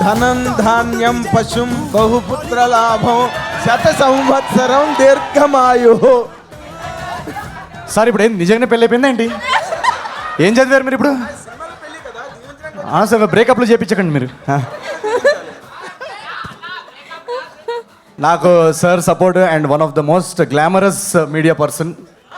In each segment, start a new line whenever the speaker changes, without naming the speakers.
ధనం ధాన్యం పశుం బహుపుత్ర లాభం శత సంవత్సరం దీర్ఘమాయు.
సార్ ఇప్పుడు ఏం నిజంగానే పెళ్ళి అయిపోయిందా ఏంటి? ఏం చదివారు మీరు ఇప్పుడు? సార్ బ్రేకప్లు చేయించకండి మీరు. నాకు sir support and one of the most glamorous media person.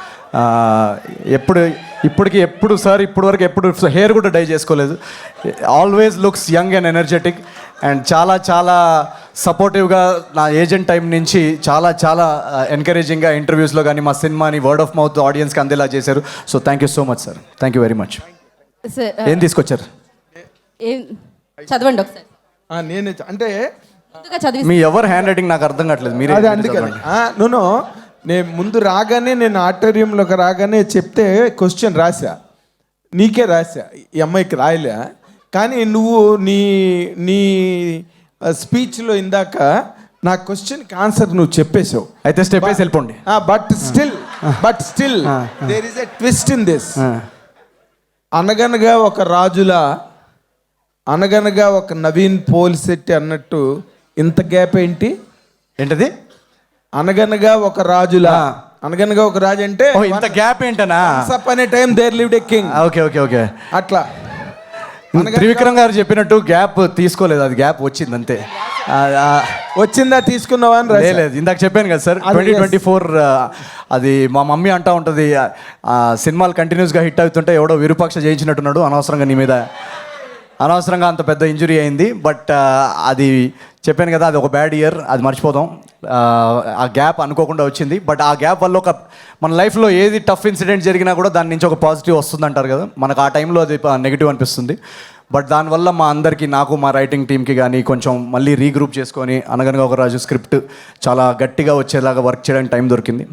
ఎప్పుడు సార్ ఇప్పటి వరకు ఎప్పుడు హెయిర్ కూడా డై చేసుకోలేదు. Always looks young and energetic and చాలా చాలా సపోర్టివ్గా నా ఏజెంట్ టైం నుంచి చాలా ఎంకరేజింగ్గా ఇంటర్వ్యూస్లో కానీ మా సినిమాని వర్డ్ ఆఫ్ మౌత్ ఆడియన్స్కి అందేలా చేశారు. So thank you so much sir. Thank you very much. ఏం తీసుకొచ్చారు?
చదవండి ఒకసారి.
నేను అంటే
మీ ఎవరు హ్యాండ్ రైటింగ్ నాకు అర్థం కావట్లేదు. మీరే
నేను ముందు రాగానే నేను ఆడిటోరియంలోకి రాగానే చెప్తే క్వశ్చన్ రాసా, నీకే రాసా, ఈ అమ్మాయికి రాయలే. కానీ నువ్వు నీ స్పీచ్లో ఇందాక నా క్వశ్చన్కి ఆన్సర్ నువ్వు చెప్పేశావు.
అయితే స్టెప్ వేసి వెళ్ళిపోండి.
But still there is a twist in this. అనగనగా ఒక రాజులా, అనగనగా ఒక నవీన్ పోలిశెట్టి అన్నట్టు ఇంత గ్యాప్ ఏంటి?
ఏంటది?
అనగనగా ఒక రాజులా, అనగనగా ఒక రాజు అంటే
ఇంత గ్యాప్ ఏంటనా?
అనే time there lived a king.
Okay
అట్లా
త్రివిక్రమ్ గారు చెప్పినట్టు గ్యాప్ తీసుకోలేదు, అది గ్యాప్ వచ్చింది అంతే.
వచ్చిందా తీసుకున్నావా అని
లేదు. ఇందాక చెప్పాను కదా సార్, 2024 అది మా మమ్మీ అంటా ఉంటుంది, సినిమాలు కంటిన్యూస్గా హిట్ అవుతుంటే ఎవడో విరూపాక్ష చేయించినట్టున్నాడు, అనవసరంగా నీ మీద అనవసరంగా అంత పెద్ద ఇంజురీ అయింది. బట్ అది చెప్పాను కదా, అది ఒక బ్యాడ్ ఇయర్, అది మర్చిపోదాం. ఆ గ్యాప్ అనుకోకుండా వచ్చింది. బట్ ఆ గ్యాప్ వల్ల మన లైఫ్లో ఏది టఫ్ ఇన్సిడెంట్ జరిగినా కూడా దాని నుంచి ఒక పాజిటివ్ వస్తుంది అంటారు కదా, మనకు ఆ టైంలో అది నెగిటివ్ అనిపిస్తుంది. బట్ దానివల్ల మా అందరికీ, నాకు మా రైటింగ్ టీమ్కి కానీ కొంచెం మళ్ళీ రీగ్రూప్ చేసుకొని అనగనగా ఒక రాజు స్క్రిప్ట్ చాలా గట్టిగా వచ్చేలాగా వర్క్ చేయడానికి టైం దొరికింది.